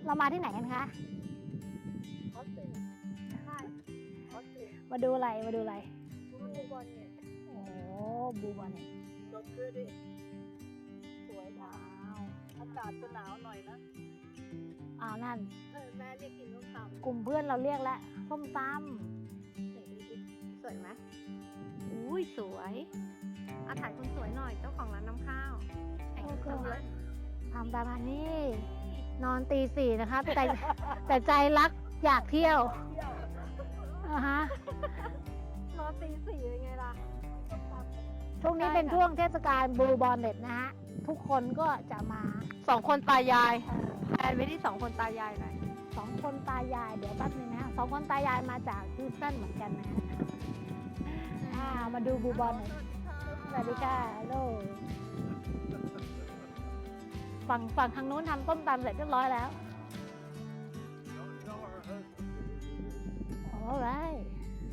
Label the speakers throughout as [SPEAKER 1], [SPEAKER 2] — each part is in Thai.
[SPEAKER 1] เรามาที่ไหนกันคะ
[SPEAKER 2] ออสเตรเลียใช่ออสเตรเลีย
[SPEAKER 1] มาดูอะไรมาดูอะไร
[SPEAKER 2] ดูบอลเนี่ย
[SPEAKER 1] โอ้บูบอลเนี่ย
[SPEAKER 2] จบคือดิสวย
[SPEAKER 1] ว้า
[SPEAKER 2] นะ
[SPEAKER 1] ว
[SPEAKER 2] อากาศจะหนาวหน่อยนะ
[SPEAKER 1] อ้าวนั่น
[SPEAKER 2] แม่เรียกกินส้มตำ
[SPEAKER 1] กลุ่มเพื่อนเราเรียกแล้วส้มต
[SPEAKER 2] สวยไหมอุ้ยสวยอาถ่ายคนสวยหน่อยเจ้าของร้านน้ำข้าว
[SPEAKER 1] ำก็คือทำประมาณนี้ นอนตี 4นะคะแต่ใจรักอยากเที่ยวอ่าฮะ
[SPEAKER 2] นอนตี 4ยังไงล่ะ
[SPEAKER 1] ช่วงนี้เป็นช่วงเทศกาลบูบอลเน็ตนะฮะ ทุกคนก็จะมา
[SPEAKER 2] 2 คนตายายแอนไม่ได้2 คนตายายหน่อย
[SPEAKER 1] 2 คนตายายเดี๋ยวแป๊บนึงนะฮะ2 คนตายายมาจากฮิวสตันเหมือนกันนะฮะมาดูบูบอลเน็ตสวัสดีค่ะฮัลโหลฝั่งทางนู้นทำต้มตำเสร็จเรียบร้อยแล้ว alright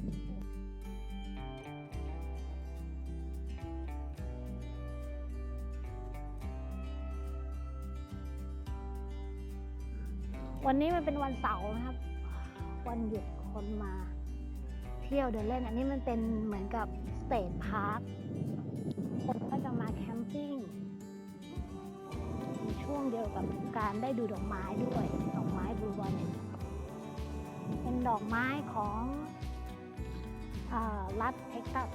[SPEAKER 1] วันนี้มันเป็นวันเสาร์นะครับ วันหยุดคนมาเที่ยวเดินเล่น อันนี้มันเป็นเหมือนกับสเตทพาร์คคนก็จะมาแคมปิ้งในช่วงเดียวกับการได้ดูดอกไม้ด้วย ดอกไม้บลูบอลเนี่ยเป็นดอกไม้ของรัฐเท็กซัส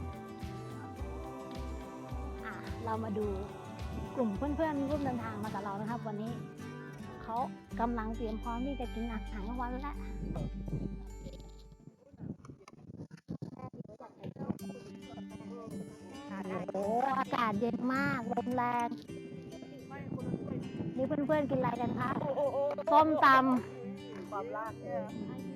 [SPEAKER 1] เรามาดูกลุ่มเพื่อนๆร่วมเดินทางมากับเรานะครับ วันนี้เขากำลังเตรียมพร้อมที่จะกินอาหารกลางวันแล้วโอ้อากาศเย็นมากลมแรงนี่เพื่อนๆกินอะไรกันคะส้มตำ
[SPEAKER 2] ความลากเนี่ย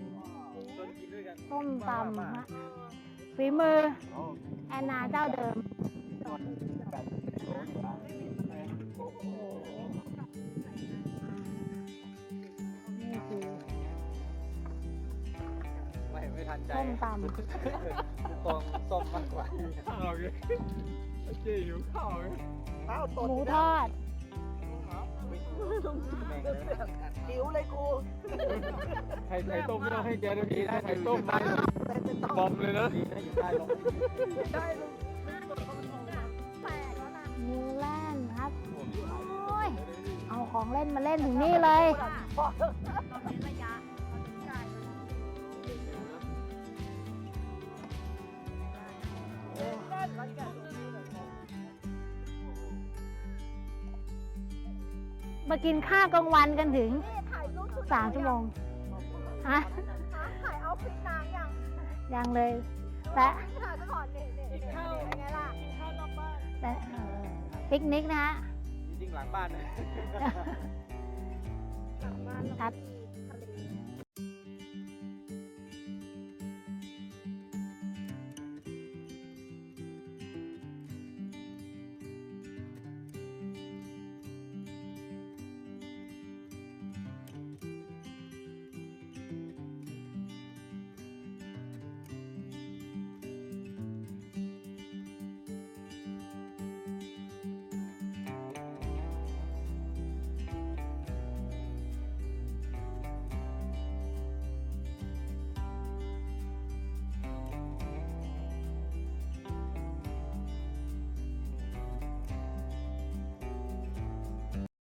[SPEAKER 1] ส้มตำฮะฝีมือแอนนาเจ้าเดิมนี่คือ
[SPEAKER 3] ไม่ทันใจ
[SPEAKER 1] ส้มต
[SPEAKER 3] ฟองส้มมากกว่าข้าวเลยเจ๊หิวข้าวเลย
[SPEAKER 2] ข้าว
[SPEAKER 1] ำ
[SPEAKER 2] ตด
[SPEAKER 1] หมูทอด
[SPEAKER 2] หิวเลยกู
[SPEAKER 3] ไข่ต้มไม่ต้องให้แกนะพี่ไข่ต้มมาบอมเลยนะดีนะอยู่ใต้ลม
[SPEAKER 2] ได้ลูกแปลกแล้วนะ
[SPEAKER 1] นิวแลนด์ครับโอ้ยเอาของเล่นมาเล่นถึงนี่เลย
[SPEAKER 2] เราเน้นระยะเราถึงใจมันแก่ตัวนี้เลย
[SPEAKER 1] มากินข้าวกลางวันกันถึง
[SPEAKER 2] นี่ถ่ายรูปชุด
[SPEAKER 1] 3 ชั่วโมงฮะ
[SPEAKER 2] ถ่ายเอาฟิตนางยัง
[SPEAKER 1] ยังเลยแต่
[SPEAKER 2] ถ่ายซะก่อนนี่กินข้าวเป็นไงล่ะกินข้าวนอกบ้าน
[SPEAKER 1] แต่ปิกนิกนะฮะ
[SPEAKER 3] จริงหลังบ้านนะ
[SPEAKER 2] หลังบ้าน
[SPEAKER 1] ครับ
[SPEAKER 2] เ